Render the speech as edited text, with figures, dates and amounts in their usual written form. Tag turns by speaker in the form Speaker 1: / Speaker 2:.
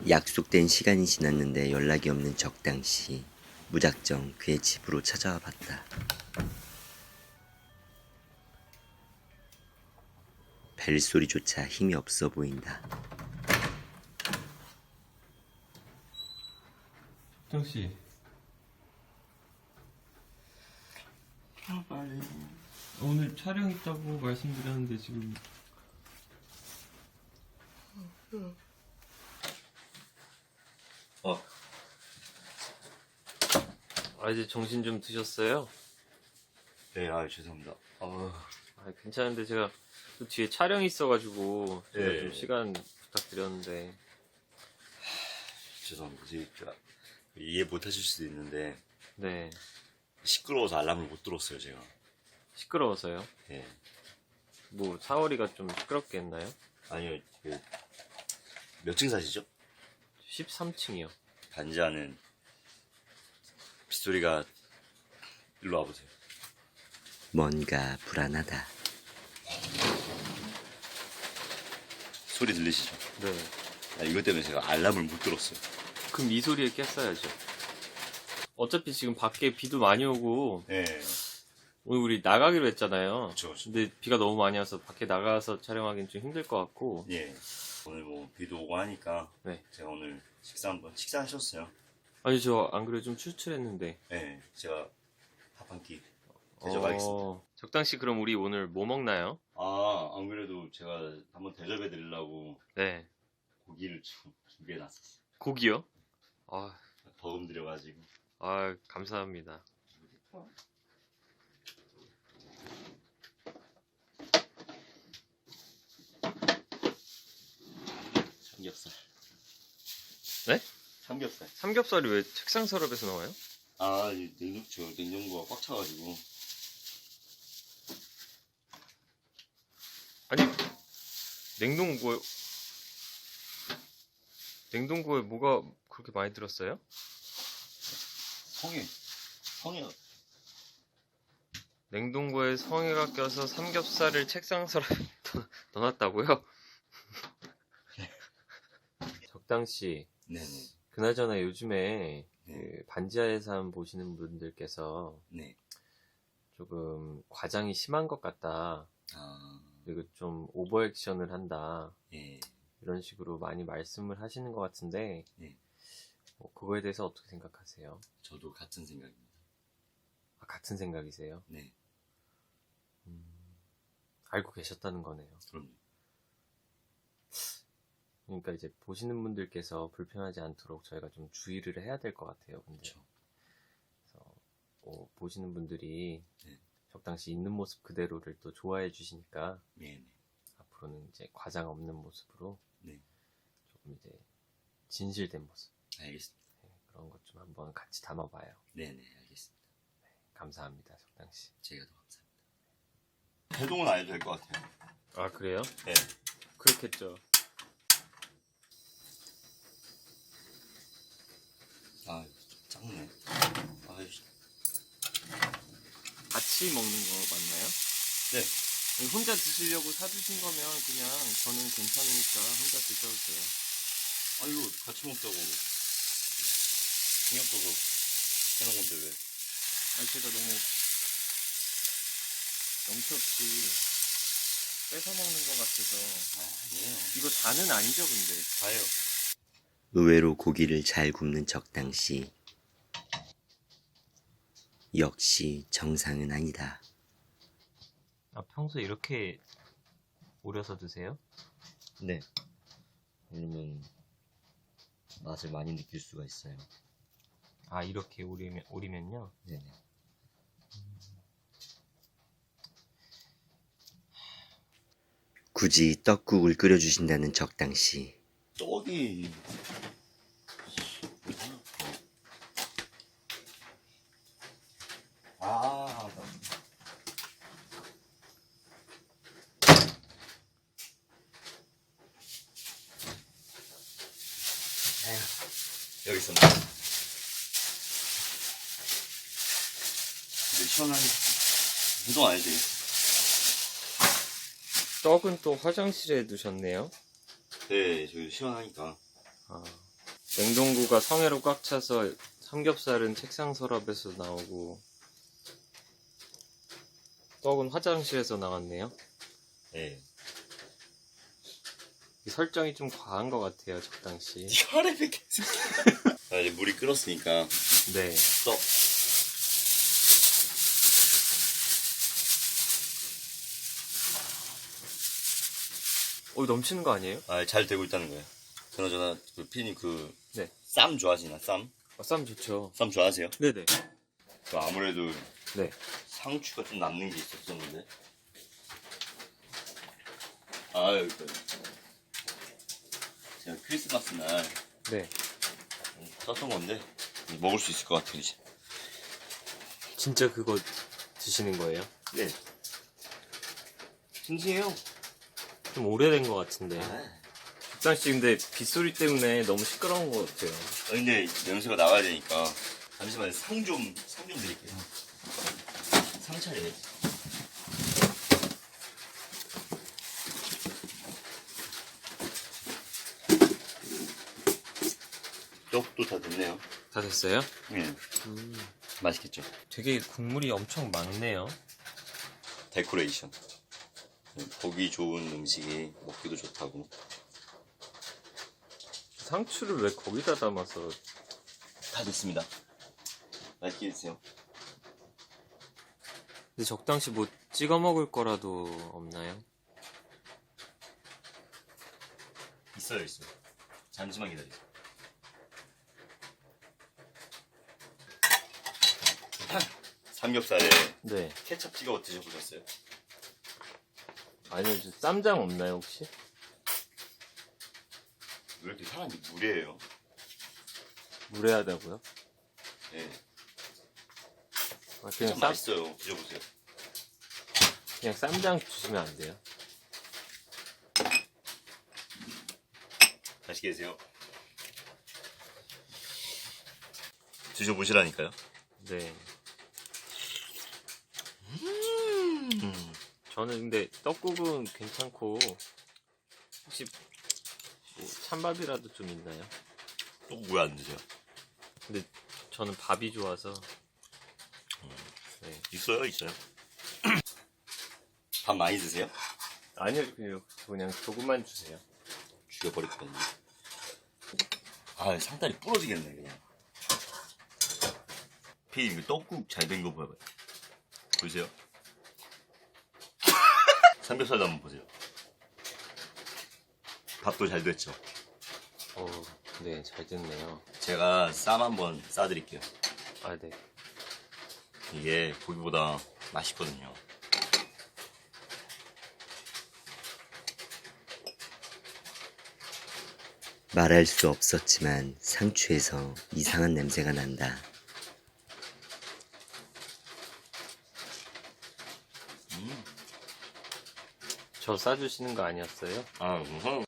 Speaker 1: 약속된 시간이 지났는데 연락이 없는 적당시 무작정 그의 집으로 찾아와 봤다. 벨소리조차 힘이 없어 보인다.
Speaker 2: 정씨,
Speaker 3: 빨리.
Speaker 2: 오늘 촬영 있다고 말씀드렸는데 지금 이제 정신 좀 드셨어요?
Speaker 3: 네, 죄송합니다.
Speaker 2: 괜찮은데 제가 또 뒤에 촬영이 있어가지고 제가
Speaker 3: 네.
Speaker 2: 좀 시간 부탁드렸는데.
Speaker 3: 죄송합니다. 제가 이해 못 하실 수도 있는데,
Speaker 2: 네.
Speaker 3: 시끄러워서 알람을 못 들었어요, 제가.
Speaker 2: 시끄러워서요?
Speaker 3: 예.
Speaker 2: 뭐 사월이가 좀 시끄럽게 했나요?
Speaker 3: 아니요, 몇 층 사시죠?
Speaker 2: 13층이요.
Speaker 3: 단지 안은 빗소리가, 일로 와보세요.
Speaker 1: 뭔가 불안하다.
Speaker 3: 소리 들리시죠?
Speaker 2: 네.
Speaker 3: 이것 때문에 제가 알람을 못 들었어요.
Speaker 2: 그럼 이 소리에 깼어야죠. 어차피 지금 밖에 비도 많이 오고
Speaker 3: 예.
Speaker 2: 오늘 우리 나가기로 했잖아요.
Speaker 3: 그쵸.
Speaker 2: 근데 비가 너무 많이 와서 밖에 나가서 촬영하기는 좀 힘들 것 같고.
Speaker 3: 예. 오늘 뭐, 비도 오고 하니까,
Speaker 2: 네.
Speaker 3: 제가 오늘 식사하셨어요?
Speaker 2: 아니 저 안 그래 좀 출출했는데.
Speaker 3: 예. 제가 밥 한 끼 대접하겠습니다.
Speaker 2: 적당시 그럼 우리 오늘 뭐 먹나요?
Speaker 3: 안 그래도 제가 한번 대접해 드리려고
Speaker 2: 네.
Speaker 3: 고기를 준비해 놨었어요.
Speaker 2: 고기요? 아,
Speaker 3: 버금 들여가지고.
Speaker 2: 감사합니다.
Speaker 3: 삼겹살.
Speaker 2: 네?
Speaker 3: 삼겹살.
Speaker 2: 삼겹살이 왜 책상 서랍에서 나와요?
Speaker 3: 냉장고가 꽉 차가지고.
Speaker 2: 아니 냉동고에 뭐가 그렇게 많이 들었어요?
Speaker 3: 성에.
Speaker 2: 냉동고에 성에가 껴서 삼겹살을 책상 서랍에 넣어놨다고요? 적당시
Speaker 3: 네네.
Speaker 2: 그나저나 요즘에
Speaker 3: 네.
Speaker 2: 그 반지하의 삶 보시는 분들께서
Speaker 3: 네.
Speaker 2: 조금 과장이 심한 것 같다, 그리고 좀 오버 액션을 한다,
Speaker 3: 예.
Speaker 2: 이런 식으로 많이 말씀을 하시는 것 같은데,
Speaker 3: 네.
Speaker 2: 그거에 대해서 어떻게 생각하세요?
Speaker 3: 저도 같은 생각입니다.
Speaker 2: 같은 생각이세요?
Speaker 3: 네.
Speaker 2: 알고 계셨다는 거네요.
Speaker 3: 그럼요.
Speaker 2: 그러니까 이제 보시는 분들께서 불편하지 않도록 저희가 좀 주의를 해야 될 것 같아요. 근데
Speaker 3: 그렇죠.
Speaker 2: 그래서 보시는 분들이
Speaker 3: 네.
Speaker 2: 적당시 있는 모습 그대로를 또 좋아해 주시니까
Speaker 3: 네네.
Speaker 2: 앞으로는 이제 과장 없는 모습으로
Speaker 3: 네.
Speaker 2: 조금 이제 진실된 모습,
Speaker 3: 알겠습니다.
Speaker 2: 그런 것 좀 한번 같이 담아봐요.
Speaker 3: 네네, 알겠습니다.
Speaker 2: 감사합니다, 적당시.
Speaker 3: 제가 더 감사합니다. 해동은 안 해도 될 것 같아요.
Speaker 2: 아, 그래요?
Speaker 3: 네.
Speaker 2: 그렇겠죠.
Speaker 3: 좀 작네.
Speaker 2: 같이 먹는 거 맞나요?
Speaker 3: 네.
Speaker 2: 혼자 드시려고 사주신 거면 그냥 저는 괜찮으니까 혼자 드셔도 돼요.
Speaker 3: 이거 같이 먹자고. 신경 써서 해놓은 건데 왜?
Speaker 2: 제가 너무 염치 없이 뺏어 먹는 것 같아서.
Speaker 3: 아니에요.
Speaker 2: 이거 다는 아니죠, 근데.
Speaker 3: 다예요.
Speaker 1: 의외로 고기를 잘 굽는 적당시. 역시 정상은 아니다.
Speaker 2: 평소에 이렇게 우려서 드세요?
Speaker 4: 네. 왜냐면 맛을 많이 느낄 수가 있어요.
Speaker 2: 이렇게 우리면요?
Speaker 4: 네네.
Speaker 1: 굳이 떡국을 끓여주신다는 적당시.
Speaker 3: 떡이 여기 있었네. 근데 시원하게 해동 안 해도 되겠어.
Speaker 2: 떡은 또 화장실에 두셨네요?
Speaker 3: 네, 저기 시원하니까.
Speaker 2: 냉동고가 성에로 꽉 차서 삼겹살은 책상 서랍에서 나오고 떡은 화장실에서 나왔네요.
Speaker 3: 네.
Speaker 2: 이 설정이 좀 과한 것 같아요, 적당시.
Speaker 3: 혈액이 계속. 자, 이제 물이 끓었으니까
Speaker 2: 네.
Speaker 3: 떡.
Speaker 2: 넘치는 거 아니에요?
Speaker 3: 아, 잘 되고 있다는 거예요. 그나저나 그 피디님
Speaker 2: 네.
Speaker 3: 쌈 좋아하시나? 쌈?
Speaker 2: 쌈 좋죠.
Speaker 3: 쌈 좋아하세요?
Speaker 2: 네네.
Speaker 3: 그 아무래도
Speaker 2: 네.
Speaker 3: 상추가 좀 남는 게 있었었는데. 아유, 제가 크리스마스 날
Speaker 2: 네.
Speaker 3: 썼던 건데 먹을 수 있을 것 같아요 이제.
Speaker 2: 진짜 그거 드시는 거예요?
Speaker 3: 네. 싱싱해요.
Speaker 2: 좀 오래된 것 같은데. 적당시 근데 빗소리 때문에 너무 시끄러운 것 같아요.
Speaker 3: 근데 연세가 나가야 되니까 잠시만요. 상 좀 드릴게요. 상 차례. 떡도 다 됐네요.
Speaker 2: 다 됐어요?
Speaker 3: 네. 맛있겠죠?
Speaker 2: 되게 국물이 엄청 많네요.
Speaker 3: 데코레이션. 보기 좋은 음식이 먹기도 좋다고.
Speaker 2: 상추를 왜 거기다 담아서.
Speaker 3: 다 됐습니다. 맛있게 드세요.
Speaker 2: 근데 적당시 뭐 찍어 먹을 거라도 없나요?
Speaker 3: 있어요. 잠시만 기다리세요. 삼겹살에
Speaker 2: 네.
Speaker 3: 케첩 찍어 드셔보셨어요?
Speaker 2: 아니요, 저 쌈장 없나요, 혹시?
Speaker 3: 왜 이렇게 사람이 무례해요?
Speaker 2: 무례하다고요?
Speaker 3: 네.
Speaker 2: 그냥
Speaker 3: 케첩 맛있어요. 드셔보세요.
Speaker 2: 그냥 쌈장 주시면 안 돼요?
Speaker 3: 맛있게 드세요. 드셔보시라니까요.
Speaker 2: 네. 저는 근데 떡국은 괜찮고, 혹시 뭐 찬밥이라도 좀 있나요?
Speaker 3: 또 왜 안 드세요?
Speaker 2: 근데 저는 밥이 좋아서. 네.
Speaker 3: 있어요. 밥 많이 드세요?
Speaker 2: 아니요, 그냥 조금만 주세요.
Speaker 3: 죽여버릴 거거든요. 아, 상다리 부러지겠네 그냥. 피디님 떡국 잘 된 거 봐봐요. 보세요. 삼겹살도 한번 보세요. 밥도 잘 됐죠.
Speaker 2: 네, 잘 됐네요.
Speaker 3: 제가 쌈 한번 싸드릴게요.
Speaker 2: 아, 네.
Speaker 3: 이게 고기보다 맛있거든요.
Speaker 1: 말할 수 없었지만 상추에서 이상한 냄새가 난다.
Speaker 2: 저 싸주시는 거 아니었어요?
Speaker 3: 아, 우선